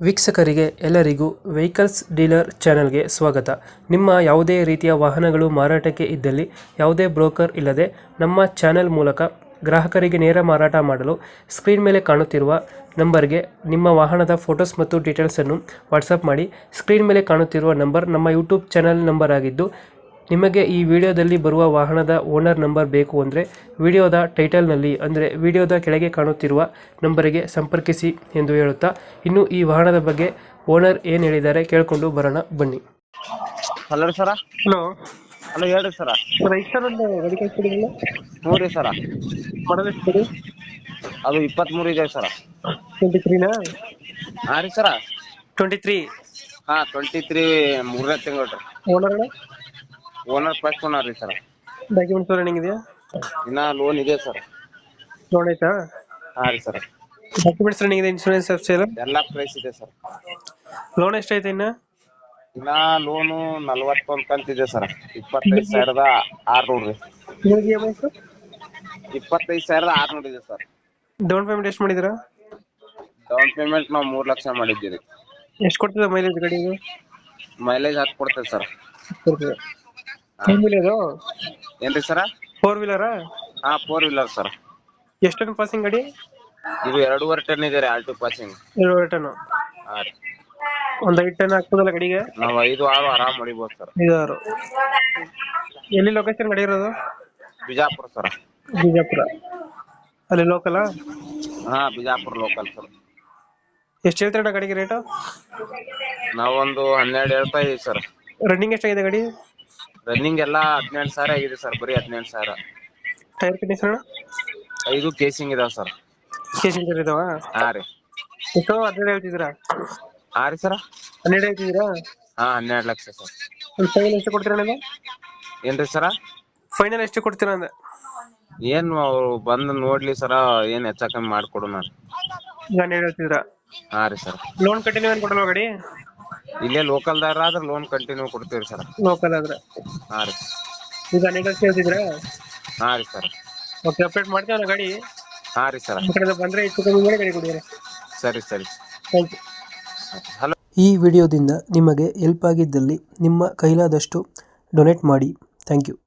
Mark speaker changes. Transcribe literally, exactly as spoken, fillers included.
Speaker 1: ವೀಕ್ಷಕರಿಗೆ ಎಲ್ಲರಿಗೂ vehicles dealer ಚಾನೆಲ್ಗೆ ಸ್ವಾಗತ. ನಿಮ್ಮ ಯಾವುದೇ ರೀತಿಯ ವಾಹನಗಳು ಮಾರಾಟಕ್ಕೆ ಇದ್ದಲ್ಲಿ ಯಾವುದೇ ಬ್ರೋಕರ್ ಇಲ್ಲದೆ ನಮ್ಮ ಚಾನೆಲ್ ಮೂಲಕ ಗ್ರಾಹಕರಿಗೆ ನೇರ ಮಾರಾಟ ಮಾಡಲು ಸ್ಕ್ರೀನ್ ಮೇಲೆ ಕಾಣುತ್ತಿರುವ ನಂಬರ್ಗೆ ನಿಮ್ಮ ವಾಹನದ ಫೋಟೋಸ್ ಮತ್ತು ಡೀಟೇಲ್ಸನ್ನು ವಾಟ್ಸಪ್ ಮಾಡಿ. ಸ್ಕ್ರೀನ್ ಮೇಲೆ ಕಾಣುತ್ತಿರುವ ನಂಬರ್ ನಮ್ಮ ಯೂಟ್ಯೂಬ್ ಚಾನೆಲ್ ನಂಬರ್ ಆಗಿದ್ದು, ನಿಮಗೆ ಈ ವಿಡಿಯೋದಲ್ಲಿ ಬರುವ ವಾಹನದ ಓನರ್ ನಂಬರ್ ಬೇಕು ಅಂದರೆ ವಿಡಿಯೋದ ಟೈಟಲ್ನಲ್ಲಿ ಅಂದರೆ ವಿಡಿಯೋದ ಕೆಳಗೆ ಕಾಣುತ್ತಿರುವ ನಂಬರಿಗೆ ಸಂಪರ್ಕಿಸಿ ಎಂದು ಹೇಳುತ್ತಾ, ಇನ್ನು ಈ ವಾಹನದ ಬಗ್ಗೆ ಓನರ್ ಏನು ಹೇಳಿದ್ದಾರೆ ಕೇಳಿಕೊಂಡು ಬರೋಣ ಬನ್ನಿ.
Speaker 2: Hello sir.
Speaker 1: ಹಲೋ
Speaker 2: ಹಲೋ ಹೇಳ್ರಿ ಸರ.
Speaker 1: ಸರ್ ಇಷ್ಟೊಂದು ಗಾಡಿ ಕಳಿಸ್ಕೊಡಿಲ್ಲ?
Speaker 2: ಹ್ಞೂ ರೀ ಸರ.
Speaker 1: ಮಾಡಲ್ ಎಷ್ಟು ಗಾಡಿ?
Speaker 2: ಅದು ಇಪ್ಪತ್ತ್ಮೂರು ಇದೆ ಸರ.
Speaker 1: ಟ್ವೆಂಟಿ ತ್ರೀನಾ?
Speaker 2: ಹಾಂ ರೀ ಸರ.
Speaker 1: Twenty three.
Speaker 2: ಹಾಂ ಟ್ವೆಂಟಿ ತ್ರೀ ಮೂರನೇ ತಿಂಗಳು ರೀ.
Speaker 1: ಓನರ್
Speaker 2: ಓನರ್ ಫಸ್ಟ್ ಓನರ್ ರೀ ಸರ.
Speaker 1: ಡಾಕ್ಯುಮೆಂಟ್ಸ್ ರನ್ನಿಂಗ್ ಇದೆಯಾ?
Speaker 2: ಇನ್ನ ಲೋನ್ ಇದೆ ಸರ್.
Speaker 1: ಲೋನ್ ಆಯ್ತಾ?
Speaker 2: ಹಾಂ ರೀ ಸರ.
Speaker 1: ಡಾಕ್ಯುಮೆಂಟ್ಸ್ ರನ್ನಿಂಗ್ ಇದೆ, ಇನ್ಶೂರೆನ್ಸ್ ಅಫ್ಸೇಲ್
Speaker 2: ಎಲ್ಲ ಪ್ರೈಸ್ ಇದೆ ಸರ್.
Speaker 1: ಲೋನ್ ಎಷ್ಟೈತೆ ಇನ್ನು?
Speaker 2: ಇನ್ನ ಲೋನು ನಲ್ವತ್ತೊಂದು ಕಂತಿದೆ ಸರ್. ಇಪ್ಪತ್ತೈದು ಸಾವಿರದ ಆರ್ನೂರು ರೀ.
Speaker 1: ಇವಾಗ ಇ ಎಮ್ ಐ ಸರ್?
Speaker 2: ಇಪ್ಪತ್ತೈದು ಸಾವಿರದ ಆರ್ನೂರು ಇದೆ ಸರ್.
Speaker 1: ಡೌನ್ ಪೇಮೆಂಟ್ ಎಷ್ಟು ಮಾಡಿದ್ದೀರಾ?
Speaker 2: ಡೌನ್ ಪೇಮೆಂಟ್ ನಾವು ಮೂರು ಲಕ್ಷ ಮಾಡಿದ್ದೀವಿ.
Speaker 1: ಎಷ್ಟು ಕೊಡ್ತದೆ ಮೈಲೇಜ್ ಗಾಡಿಗೆ?
Speaker 2: ಮೈಲೇಜ್ ಹಾಕಿ ಕೊಡ್ತೇವೆ ಸರ್.
Speaker 1: ಕೊಡ್ತದೆ. Two wheeler?
Speaker 2: ಏನ್ರಿ ಸರ?
Speaker 1: ಫೋರ್ ವೀಲರಾ?
Speaker 2: ಹಾಂ ಫೋರ್ ವೀಲರ್ ಸರ್.
Speaker 1: ಎಷ್ಟು ಟನ್ ಪಾಸಿಂಗ್ ಗಾಡಿ?
Speaker 2: ಇದು ಎರಡೂವರೆ ಟನ್ ಇದೆ ರೀ ಆಲ್ಟೋ ಪಾಸಿಂಗ್.
Speaker 1: ಏಳುವರೆ ಟನ್.
Speaker 2: ಹಾಂ ರೀ.
Speaker 1: ಒಂದು ಐದು ಟನ್ ಆಗ್ತದಲ್ಲ ಗಾಡಿಗೆ?
Speaker 2: ನಾವು ಐದು ಆರು ಆರಾಮ್ ಹೊಡಿಬೋದು ಸರ್.
Speaker 1: ಐದು ಆರು. ಎಲ್ಲಿ ಲೊಕೇಶನ್ ಗಾಡಿ ಇರೋದು?
Speaker 2: ಬಿಜಾಪುರ ಸರ್.
Speaker 1: ಬಿಜಾಪುರ. ಅಲ್ಲಿ ಲೋಕಲ್?
Speaker 2: ಹಾಂ ಬಿಜಾಪುರ ಲೋಕಲ್ ಸರ್.
Speaker 1: ಎಷ್ಟು ಹೇಳ್ತೀರ ಗಾಡಿಗೆ ರೇಟು?
Speaker 2: ನಾವೊಂದು ಹನ್ನೆರಡು ಹೇಳ್ತಾ ಇದೀವಿ ಸರ್.
Speaker 1: ರನ್ನಿಂಗ್ ಎಷ್ಟಾಗಿದೆ ಗಾಡಿ?
Speaker 2: ರನ್ನಿಂಗ್ ಎಲ್ಲ ಹದಿನೆಂಟು ಸಾವಿರ ಆಗಿದೆ ಸರ್. ಬರೀ ಹದಿನೆಂಟು ಸಾವಿರ.
Speaker 1: Tyre condition?
Speaker 2: ಐದು ಕೇಸಿಂಗ್ ಇದಾವೆ ಸರ್.
Speaker 1: ಕೇಸಿಂಗ್ ಇದಾವ?
Speaker 2: ಹಾಂ ರೀ.
Speaker 1: ಎಷ್ಟು ಹನ್ನೆರಡು ಹೇಳ್ತಿದ್ದೀರಾ?
Speaker 2: ಹಾಂ ರೀ ಸರ.
Speaker 1: ಹನ್ನೆರಡು ಹೇಳ್ತಿದ್ದೀರಾ?
Speaker 2: ಹಾಂ ಹನ್ನೆರಡು ಲಕ್ಷ ಸರ್.
Speaker 1: ಒಂದು ಫೈನಲ್ ಎಷ್ಟು ಕೊಡ್ತೀರಾ ನೀವು?
Speaker 2: ಏನ್ರಿ ಸರ?
Speaker 1: ಫೈನಲ್ ಎಷ್ಟು ಕೊಡ್ತೀರಾ ಅಂದೆ?
Speaker 2: ಏನು ಅವ್ರು ಬಂದು ನೋಡ್ಲಿ ಸರ, ಏನು ಹೆಚ್ಚ ಕಮ್ಮಿ ಮಾಡಿಕೊಡು ನಾನು.
Speaker 1: ಈಗ ಹನ್ನೆರಡು ಹೇಳ್ತಿದ್ದೀರಾ?
Speaker 2: ಹಾಂ ರೀ ಸರ್.
Speaker 1: ಲೋನ್ ಕಂಟಿನ್ಯೂ ಏನು ಕೊಡಲ್ವಾ ಗಾಡಿ?
Speaker 2: ಇಲ್ಲೇ ಲೋಕಲ್ದಾರ ಆದ್ರೆ ಲೋನ್ ಕಂಟಿನ್ಯೂ ಕೊಡ್ತೀವಿ ಸರ್.
Speaker 1: ಲೋಕಲ್ ಆದ್ರೆ?
Speaker 2: ಹಾಂ ರೀ.
Speaker 1: ಈಗ ಹನ್ನೆರಡು ಲಕ್ಷ ಹೇಳ್ತಿದ್ದೀರಾ?
Speaker 2: ಹಾಂ ರೀ ಸರ್.
Speaker 1: ಓಕೆ, ಅಪ್ಡೇಟ್ ಮಾಡ್ತೀವಲ್ಲ ಗಾಡಿ.
Speaker 2: ಹಾಂ ರೀ ಸರ್.
Speaker 1: ನಮ್ಮ ಕಡೆ ಬಂದರೆ ಹೆಚ್ಚು ಕಮ್ಮಿ ಮಾಡಿ ಗಾಡಿ ಕೊಡಿ.
Speaker 2: ಸರಿ ಸರಿ.
Speaker 1: Thank you.
Speaker 2: ಹಲೋ.
Speaker 1: ಈ ವಿಡಿಯೋದಿಂದ ನಿಮಗೆ ಹೆಲ್ಪ್ ಆಗಿದ್ದಲ್ಲಿ ನಿಮ್ಮ ಕೈಲಾದಷ್ಟು ಡೊನೇಟ್ ಮಾಡಿ. Thank you.